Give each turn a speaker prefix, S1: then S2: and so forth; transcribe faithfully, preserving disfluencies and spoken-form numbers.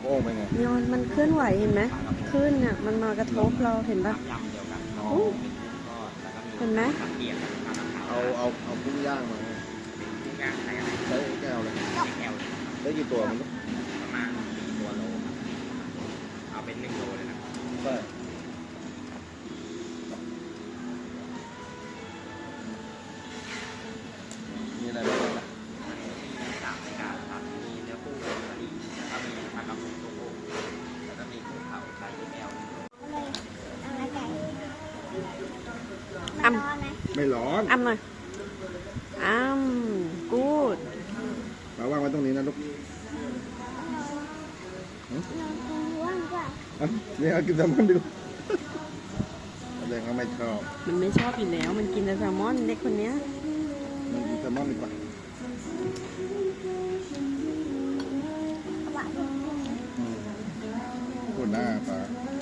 S1: โป้งไปไง
S2: เนี่ยมันมันเคลื่อนไหวเห็นไหมขึ้นเนี่ยมันมากระทบเราเห็นปะเห็นไหม
S1: เอาเอาเอากุ้งย่างมาใช้แก้วเลยได้กี่ตัวมัน
S3: ประมาณสี่ตัวโลเอาเป็นหนึ่งโลเลยนะ
S1: ใช่มีอะไรบ้างนะ
S3: มีสามรายการครับมีเนื้อปูกะหรี่แล้วก็มีผักกระปุกตัวโป่งแล้วก็มีกุ้งเผาไข่แก้ว
S2: อ้
S1: ไม่ร้อน
S2: ำอ้ำหน่อยอ้ำกูด
S1: มาวางไว้ตรงนี้นะลูกนี่เอากินแซลมอนดูแสดงว่าไม่ชอบ
S2: มันไม่ชอบอยู่แล้วมันกินแต่แซลมอนเด็กคนเนี้ย
S1: มันกินแซลมอนดีกว่าพูดหน้าปลา